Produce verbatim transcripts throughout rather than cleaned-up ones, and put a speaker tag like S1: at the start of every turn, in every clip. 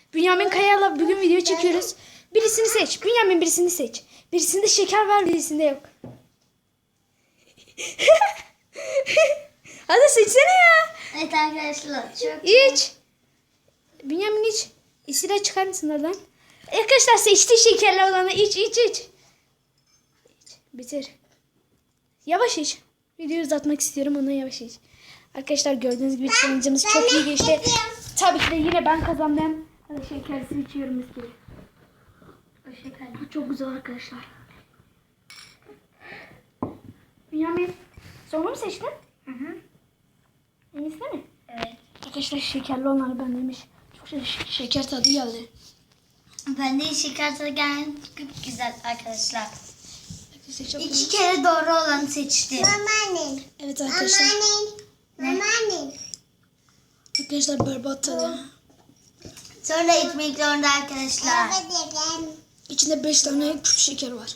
S1: Bünyamin Kaya'yla bugün video çekiyoruz. Birisini seç. Bünyamin birisini seç. Birisinde şeker var, birisinde yok. Hadi seçsene ya.
S2: Evet arkadaşlar. Çok
S1: İç. Bünyamin iç. İsira çıkar mısın oradan? Arkadaşlar seçti şekerli olanı. İç iç iç. İç. Bitir. Yavaş iç. Videoyu uzatmak istiyorum, ondan yavaş iç. Arkadaşlar gördüğünüz gibi challenge'ımız çok iyi geçti. Tabii ki de yine ben kazandım. Hadi şekersiz içiyorum mis gibi. O şeker. Bu çok güzel arkadaşlar. Bünyamin sonra mı seçtin?
S2: Hı hı.
S1: En iyisi mi?
S2: Evet.
S1: Arkadaşlar şekerli olanı ben demiş. Çok şey, şeker tadı geldi.
S2: Ben de şeker tadı gelen çok güzel arkadaşlar.
S1: Arkadaşlar çok
S2: İki
S1: iyi.
S2: kere doğru olanı seçtim.
S3: Mamanin.
S1: Evet arkadaşlar.
S3: Mamanin. Mamanin.
S1: Arkadaşlar berbat tadı.
S2: Sonra içmek zorunda arkadaşlar.
S3: Babacığım.
S1: İçinde beş tane küp şeker var.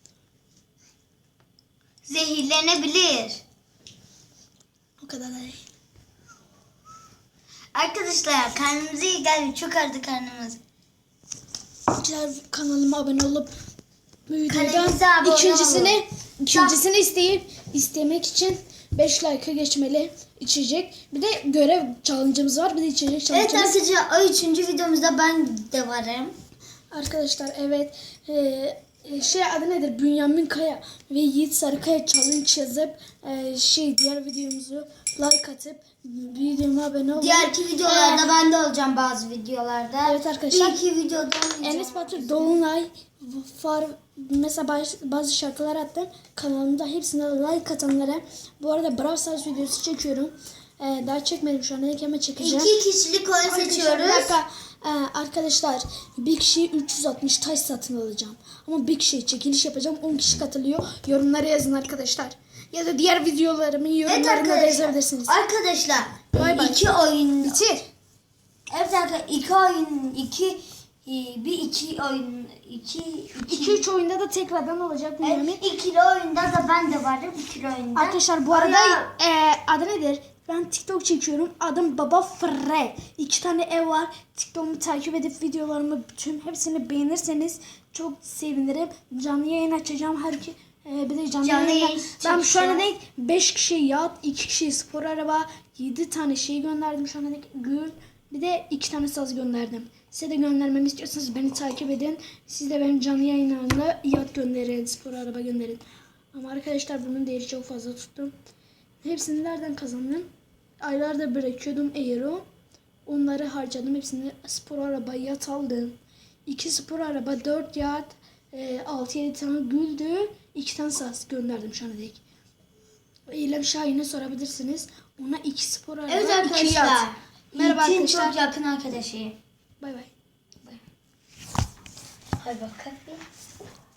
S2: Zehirlenebilir.
S1: O kadar da değil.
S2: Arkadaşlar karnımıza iyi geldi. Çok ağrıdı karnımız.
S1: Arkadaşlar kanalıma abone olup bu
S2: Kanalımıza
S1: videodan
S2: abone
S1: ikincisini
S2: olun.
S1: ikincisini isteyip istemek için beş like'a geçmeli içecek. Bir de görev challenge'ımız var. Bir de içecek
S2: Evet
S1: challenge'ımız.
S2: arkadaşlar o üçüncü videomuzda ben de varım.
S1: Arkadaşlar evet. Ee, şey adı nedir? Bünyamin Kaya ve Yiğit Sarıkaya challenge yazıp e, şey diğer videomuzu like atıp videoma abone olun.
S2: Diğerki videolarda ben de olacağım bazı videolarda.
S1: Evet arkadaşlar.
S2: Bir iki videoda olacağım.
S1: Enes Batur, Dolunay, Far, mesela bazı, bazı şarkılar attım. Kanalımda hepsine like atanlara. Bu arada Brawl Stars videosu çekiyorum. Ee, daha çekmedim şu an. Ama çekeceğim.
S2: İki kişilik oyun
S1: Arkadaşlar,
S2: seçiyoruz.
S1: bir dakika. Ee, arkadaşlar bir kişiye üç yüz altmış taş satın alacağım. Ama bir kişiye çekiliş yapacağım. on kişi katılıyor. Yorumlara yazın arkadaşlar. Ya da diğer videolarımın
S2: Evet
S1: yorumlarına da
S2: arkadaşlar.
S1: yazabilirsiniz.
S2: Arkadaşlar
S1: Bay bay.
S2: iki oyun.
S1: Bitir.
S2: Evet arkadaşlar iki oyun iki e, bir iki oyun iki iki,
S1: iki üç oyunda da tekrardan olacak bu yemin.
S2: evet, ikili oyunda da ben de varım ikili oyunda.
S1: Arkadaşlar bu arada
S2: Aya-
S1: e, adı nedir? Ben TikTok çekiyorum. Adım Baba Fre. İki tane ev var. TikTok'umu takip edip videolarımı bütün hepsini beğenirseniz çok sevinirim. Canlı yayın açacağım. Her ki e, bir de canlı,
S2: Canlı
S1: yayında-
S2: yayın
S1: Ben şu ana
S2: çekeceğiz.
S1: dek beş kişiye yat, iki kişiye spor araba, yedi tane şey gönderdim şu ana dek gül. Bir de iki tane saz gönderdim. Size de göndermemi istiyorsanız beni takip edin. Siz de benim canlı yayınlarımda yat gönderin, spor araba gönderin. Ama arkadaşlar bunun değeri çok fazla tuttum. Hepsini nereden kazandım? Aylarda bırakıyordum Aero. Onları harcadım. Hepsini spor araba yat aldım. iki spor araba, dört yat, altı yedi tane güldü. iki tane saz gönderdim şu ana dek. İrem Şahin'e sorabilirsiniz. Ona iki spor araba,
S2: Evet
S1: iki
S2: arkadaşlar.
S1: yat. Merhaba
S2: Yiğit'in
S1: arkadaşlar.
S2: çok yakın arkadaşıyım.
S1: Bay bay.
S2: Hadi bakalım.